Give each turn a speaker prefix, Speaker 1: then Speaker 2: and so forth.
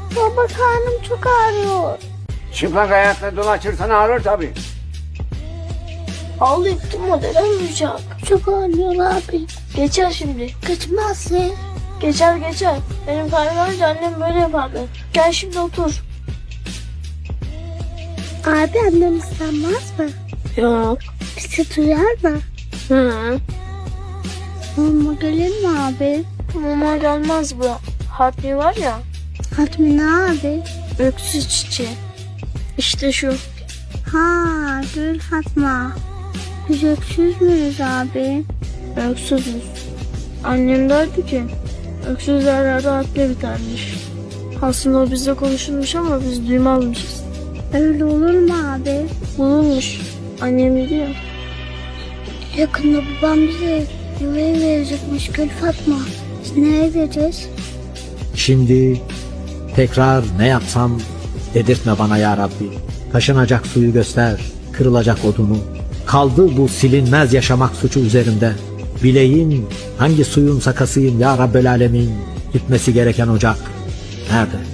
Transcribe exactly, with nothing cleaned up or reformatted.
Speaker 1: Baba karnım çok ağrıyor.
Speaker 2: Çıplak ayakla dolaşırsan ağrır tabii.
Speaker 1: Ağlayıp durma dedem duyacak. Çok ağrıyor abi. Geçer şimdi. Kaçmaz ya. Geçer geçer. Benim karnım ağrınca annem böyle yapardı. Gel şimdi otur. Abi annem ıslanmaz mı? Yok. Bizi duyar mı? Hı. Mama gelir mi abi? Mama gelmez bu. Hatmi var ya. Hatmi ne abi? Öksüz çiçeği. İşte şu. Ha, Gül Fatma. Biz öksüz müyüz abi? Öksüzüz. Annem derdi ki öksüz yerlerde haklı bitermiş. Aslında o bizle konuşulmuş ama biz duymazmışız. Öyle olur mu abi? Olurmuş. Annem biliyor. Yakında babam bize yuvaya verecekmiş Gül Fatma. Biz nereye gideceğiz?
Speaker 3: Şimdi tekrar ne yapsam dedirtme bana ya Rabbi. Taşınacak suyu göster, kırılacak odunu. Kaldı bu silinmez yaşamak suçu üzerimde. Bileyim hangi suyun sakasıyım ya Rabbel Alemin. Gitmesi gereken ocak nerede?